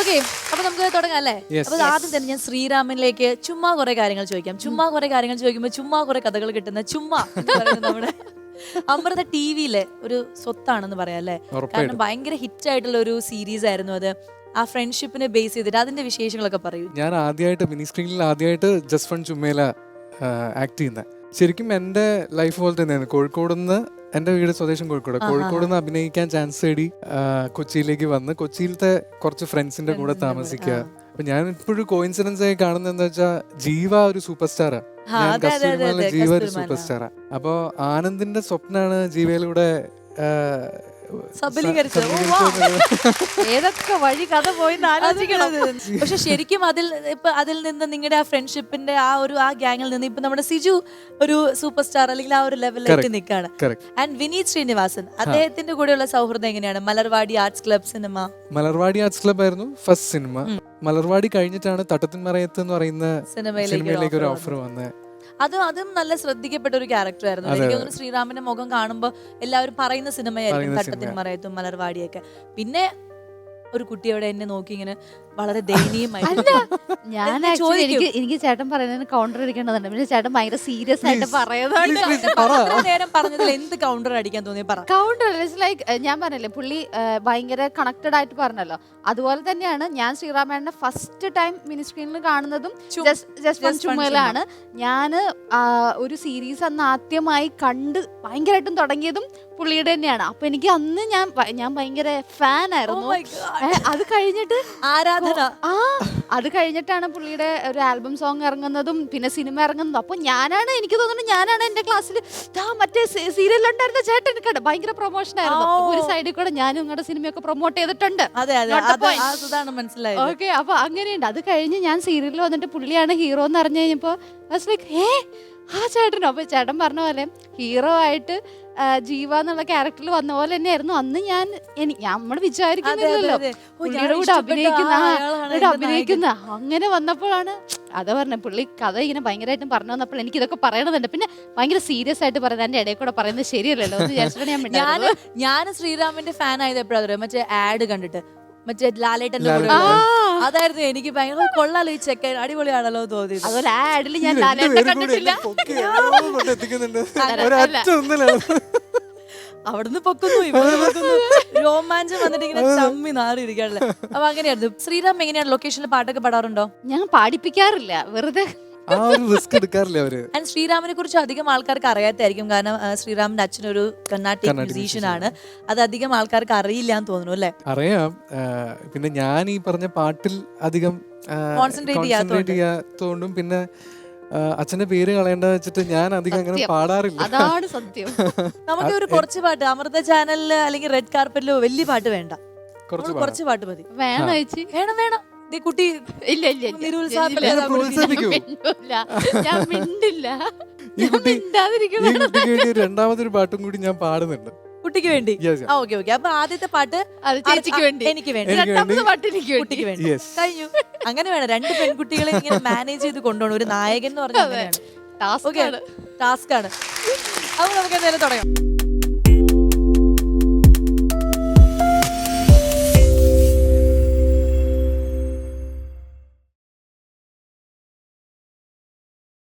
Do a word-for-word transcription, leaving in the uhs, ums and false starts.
Okay, അപ്പൊ നമുക്ക് തുടങ്ങാം അല്ലേ? അപ്പൊ ആദ്യം തന്നെ ഞാൻ ശ്രീരാമനിലേക്ക് ചുമ്മാ കുറെ കാര്യങ്ങൾ ചോദിക്കാം. ചുമ്മാ കുറെ കാര്യങ്ങൾ ചോദിക്കുമ്പോൾ ചുമ്മാ കുറെ കഥകൾ കിട്ടുന്ന ചുമ്മാ എന്ന് പറയുന്നത് നമ്മുടെ അമൃത ടി വിയിലെ ഒരു സ്വത്താണെന്ന് പറയാം അല്ലേ? കാരണം ഭയങ്കര ഹിറ്റ് ആയിട്ടുള്ള ഒരു സീരീസ് ആയിരുന്നു അത്. ആ ഫ്രണ്ട്ഷിപ്പിനെ ബേസ് ചെയ്തിട്ട് അതിന്റെ വിശേഷങ്ങളൊക്കെ പറയൂ. ഞാൻ ആദ്യമായിട്ട് മിനി സ്ക്രീനിൽ ആദ്യമായിട്ട് ജസ്റ്റ് ഫൺ ചുമ്മേല ആക്ട് ചെയ്യുന്നത്. ശരിക്കും എൻ്റെ ലൈഫ് പോലെ തന്നെയാണ്. കോഴിക്കോട് നിന്ന്, എൻ്റെ വീട് സ്വദേശം കോഴിക്കോട്, കോഴിക്കോട് നിന്ന് അഭിനയിക്കാൻ ചാൻസ് തേടി കൊച്ചിയിലേക്ക് വന്ന് കൊച്ചിയിലത്തെ കുറച്ച് ഫ്രണ്ട്സിന്റെ കൂടെ താമസിക്കുക. അപ്പൊ ഞാൻ ഇപ്പോഴും കോയിൻസിഡൻസ് ആയി കാണുന്നത് എന്താ വെച്ചാൽ ജീവ ഒരു സൂപ്പർ സ്റ്റാറാ. ഞാൻ കസ്തൂരിമാല ജീവ ഒരു സൂപ്പർ സ്റ്റാറാ. അപ്പൊ ആനന്ദിന്റെ സ്വപ്നാണ് ജീവയിലൂടെ ഏതൊക്കെ വഴി കഥ പോയി ആലോചിക്കണം. പക്ഷെ ശരിക്കും അതിൽ ഇപ്പൊ അതിൽ നിന്ന് നിങ്ങളുടെ ആ ഫ്രണ്ട്ഷിപ്പിന്റെ ആ ഒരു ആ ഗ്യാങ്ങിൽ നിന്ന് ഇപ്പൊ നമ്മുടെ സിജു ഒരു സൂപ്പർ സ്റ്റാർ അല്ലെങ്കിൽ ആ ഒരു ലെവലിലേക്ക് നിൽക്കാണ്. ആൻഡ് വിനീത് ശ്രീനിവാസൻ, അദ്ദേഹത്തിന്റെ കൂടെയുള്ള സൗഹൃദം എങ്ങനെയാണ്? Malarvadi arts club cinema. Malarvadi arts club ആയിരുന്നു ഫസ്റ്റ് സിനിമ. മലർവാടി കഴിഞ്ഞിട്ടാണ് തട്ടത്തിൻ മറയത്ത് എന്ന് പറയുന്ന സിനിമയിലേക്ക് ഒരു ഓഫർ വന്നത്. അത് അതും നല്ല ശ്രദ്ധിക്കപ്പെട്ട ഒരു ക്യാരക്ടർ ആയിരുന്നു. എനിക്ക് തോന്നുന്നു ശ്രീറാമിന്റെ മുഖം കാണുമ്പോൾ എല്ലാവരും പറയുന്ന സിനിമയായിരിക്കും തട്ടത്തിൻ മറയത്തും മലർവാടിയൊക്കെ. പിന്നെ ഒരു കുട്ടിയോടെ എന്നെ നോക്കി ഇങ്ങനെ വളരെ ദയനീയമായി ഞാൻ എനിക്ക് എനിക്ക് ചേട്ടൻ പറയുന്നതിന് കൗണ്ടർ അടിക്കേണ്ടതുണ്ട്. പിന്നെ ചേട്ടൻ ഭയങ്കര സീരിയസ് ആയിട്ട് പറയുന്നുണ്ട്. നേരം പറഞ്ഞതിൽ എന്ത് കൗണ്ടർ അടിക്കാൻ തോന്നി? പറ. കൗണ്ടർ ലൈക്ക് ഞാൻ പറഞ്ഞില്ലേ, പുള്ളി ഭയങ്കര കണക്റ്റഡ് ആയിട്ട് പറഞ്ഞല്ലോ. അതുപോലെ തന്നെയാണ് ഞാൻ ശ്രീറാമേട്ടനെ ഫസ്റ്റ് ടൈം മിനി സ്ക്രീനിൽ കാണുന്നതും ജസ്റ്റ് ചുമലാണ്. ഞാൻ ഒരു സീരീസ് അന്ന് ആദ്യമായി കണ്ട് ഭയങ്കരമായിട്ടും തുടങ്ങിയതും പുള്ളിയുടെ തന്നെയാണ്. അപ്പൊ എനിക്ക് അന്ന് ഞാൻ ഞാൻ ഭയങ്കര ഫാൻ ആയിരുന്നു. അത് കഴിഞ്ഞിട്ട് ആരാധന ആ അത് കഴിഞ്ഞിട്ടാണ് പുള്ളിയുടെ ഒരു ആൽബം സോങ് ഇറങ്ങുന്നതും പിന്നെ സിനിമ ഇറങ്ങുന്നതും. അപ്പൊ ഞാനാണ്, എനിക്ക് തോന്നുന്നു ഞാനാണ് എന്റെ ക്ലാസ്സിൽ മറ്റേ സീരിയലുണ്ടായിരുന്ന ചേട്ടൻ കണ്ട ഭയങ്കര പ്രൊമോഷൻ ആയിരുന്നു. ഒരു സൈഡിൽ കൂടെ ഞാനും നിങ്ങളുടെ സിനിമയൊക്കെ പ്രൊമോട്ട് ചെയ്തിട്ടുണ്ട്. ഓക്കെ, അപ്പൊ അങ്ങനെയുണ്ട്. അത് കഴിഞ്ഞ് ഞാൻ സീരിയലിൽ വന്നിട്ട് പുള്ളിയാണ് ഹീറോ എന്ന് അറിഞ്ഞു കഴിഞ്ഞപ്പോ ലൈക്ക് ഏ ആ ചേട്ടനോ. അപ്പൊ ചേട്ടൻ പറഞ്ഞ പോലെ ഹീറോ ആയിട്ട് ജീവ എന്നുള്ള ക്യാരക്ടറിൽ വന്ന പോലെ തന്നെയായിരുന്നു അന്ന് ഞാൻ. നമ്മൾ വിചാരിക്കുന്നില്ലല്ലോ പുള്ളിയുടെ കൂടെ അഭിനയിക്കുന്ന അഭിനയിക്കുന്ന അങ്ങനെ വന്നപ്പോഴാണ് അതാ പറഞ്ഞ പുള്ളി കഥ ഇങ്ങനെ ഭയങ്കരമായിട്ടും പറഞ്ഞു വന്നപ്പോൾ എനിക്ക് ഇതൊക്കെ പറയണതുണ്ട്. പിന്നെ ഭയങ്കര സീരിയസ് ആയിട്ട് പറയുന്നത് എന്റെ ഇടയിൽ കൂടെ പറയുന്നത് ശരിയല്ലല്ലോ എന്ന് വിചാരിച്ചിട്ടാണ് ഞാൻ ഞാൻ ശ്രീറാമിന്റെ ഫാൻ ആയത് എപ്പോഴാണ് മറ്റേ ആഡ് കണ്ടിട്ട്, മറ്റേ ലാലേട്ടന്റെ കൂടെ. അതായിരുന്നു എനിക്ക് ഭയങ്കര കൊള്ളാലോ ഈ ചെക്കൻ, അടിപൊളിയാണല്ലോ തോന്നിയത്. അതുപോലെ ആ ആഡിൽ ഞാൻ ലാലേട്ടനെ കണ്ടിട്ടില്ല. അവിടുന്ന് പൊക്കുന്നു ഇവിടുന്ന് പൊക്കുന്നു, രോമാഞ്ചം വന്നിട്ട് ഇങ്ങനെ ചമ്മി നാറിയിരിക്കാണല്ലേ. അപ്പൊ അങ്ങനെയായിരുന്നു. ശ്രീറാം എങ്ങനെയാണ് ലൊക്കേഷനിൽ പാട്ടൊക്കെ പാടാറുണ്ടോ? ഞാൻ പാടിപ്പിക്കാറില്ല, വെറുതെ. ശ്രീറാമിനെ കുറിച്ച് അധികം ആൾക്കാർക്ക് അറിയാത്തായിരിക്കും. കാരണം ശ്രീറാമിന്റെ അച്ഛനൊരു കർണാട്ടിക് മ്യൂസീഷ്യൻ ആണ്. അത് അധികം ആൾക്കാർക്ക് അറിയില്ല എന്ന് തോന്നുന്നു അല്ലേ? അറിയാം. പിന്നെ ഞാൻ ഈ പറഞ്ഞ പാട്ടിൽ അധികം കോൺസെൻട്രേറ്റ് ചെയ്യാത്തോണ്ടും പിന്നെ അച്ഛന്റെ പേര് കളയേണ്ട വെച്ചിട്ട് ഞാൻ അധികം അങ്ങനെ പാടാറില്ല. അതാണ് സത്യം. നമുക്ക് ഒരു കുറച്ച് പാട്ട് അമൃത ചാനലില് അല്ലെങ്കിൽ റെഡ് കാർപ്പറ്റിലോ വലിയ പാട്ട് വേണ്ട, കുറച്ച് പാട്ട് മതി. വേണം വേണം വേണം കുട്ടി ഇല്ല ഇല്ല ഞാൻ മിണ്ടില്ല. രണ്ടാമതൊരു പാട്ടും കൂടി ഞാൻ പാടുന്നുണ്ട് കുട്ടിക്ക് വേണ്ടി. ഓക്കെ ഓക്കെ, അപ്പൊ ആദ്യത്തെ പാട്ട് ചേച്ചിക്ക് വേണ്ടി, എനിക്ക് വേണ്ടി, രണ്ടാമത്തെ പാട്ട് എനിക്ക് കുട്ടിക്ക് വേണ്ടി. കഴിഞ്ഞു. അങ്ങനെ വേണം, രണ്ട് പെൺകുട്ടികളെ ഇങ്ങനെ മാനേജ് ചെയ്ത് കൊണ്ടുപോകണം. ഒരു നായകൻ എന്ന് പറഞ്ഞാൽ ടാസ്ക് ആണ്. അപ്പൊ നമുക്ക് എന്തായാലും തുടങ്ങാം.